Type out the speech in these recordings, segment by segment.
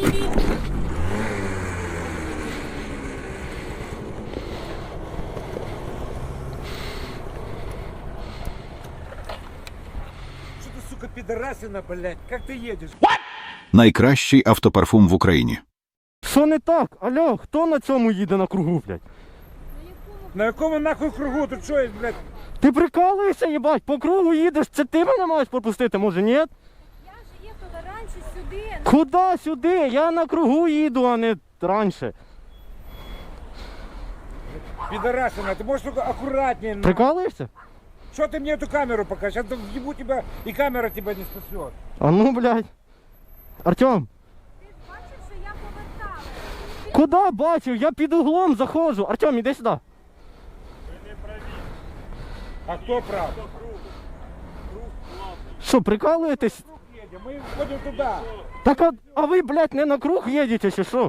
Что ты, сука, пидорасина, блядь? Как ты едешь? Найкращий автопарфум в Україні. Що не так? Алло, хто на цьому їде на кругу, блядь? На якому нахуй кругу? Тут що, блядь? Ти прикалуєшся, їбать, по кругу їдеш, це ти мене маєш пропустити, може ні? Я ж їхала раніше сюди. Куди сюди? Я на кругу їду, а не раніше. Пидорасина, ты можешь только аккуратнее. Прикалуєшся? Что ты мне эту камеру покажешь? Я ебу тебя, и камера тебя не спасет. А ну, блядь. Артем, Ти ж бачив, що я повертала. куди бачив? Я під углом заходжу. Артем, іди сюди. А кто прав? Що, прикалуєтесь? Круг едем, мы ходим туда. Так а ви, блядь, не на круг їдете, чи що?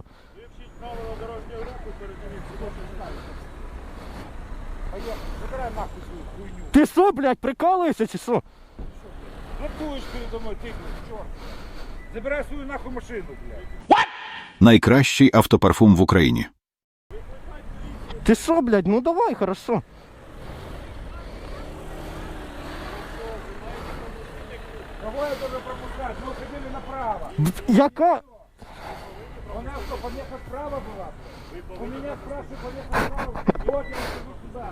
Поехали, забирай нахуй свою хуйню. Ти що, блядь, прикалуєшся, чи що? Ротуешь передо мной, ты, черт. Забирай свою нахуй машину, блядь. Найкращий автопарфум в Україні. Ти що, блядь, ну давай, хорошо. Кого я должен пропускать? Мы уходили направо. Яка? У нас что, помеха справа была? У меня спрашивают, помеха справа. Вот я иду сюда.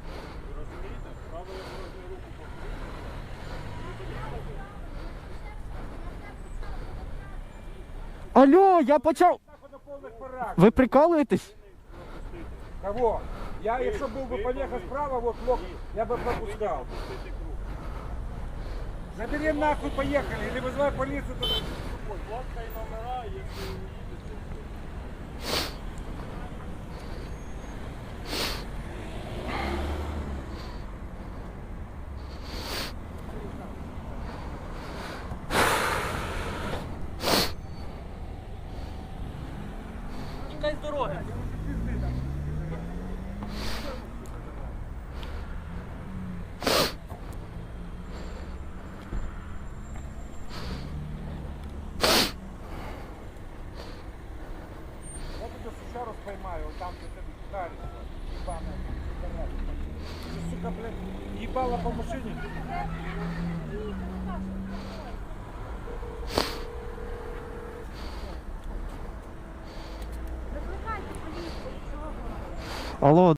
Алло, я почав. Нахуй на полных парах. Ви прикалуєтесь? Кого? Я, якщо був би помеха справа, вот лох, я бы пропускал. Забери нахуй, поехали, или вызывай полицию. Тікай з дороги. Я тебя сучару поймаю, вот там где ты ударишься, ебаная, пидорасина. Ты, сука, блядь, ебала по машине. Викликайте поліцію. Чого? Алло.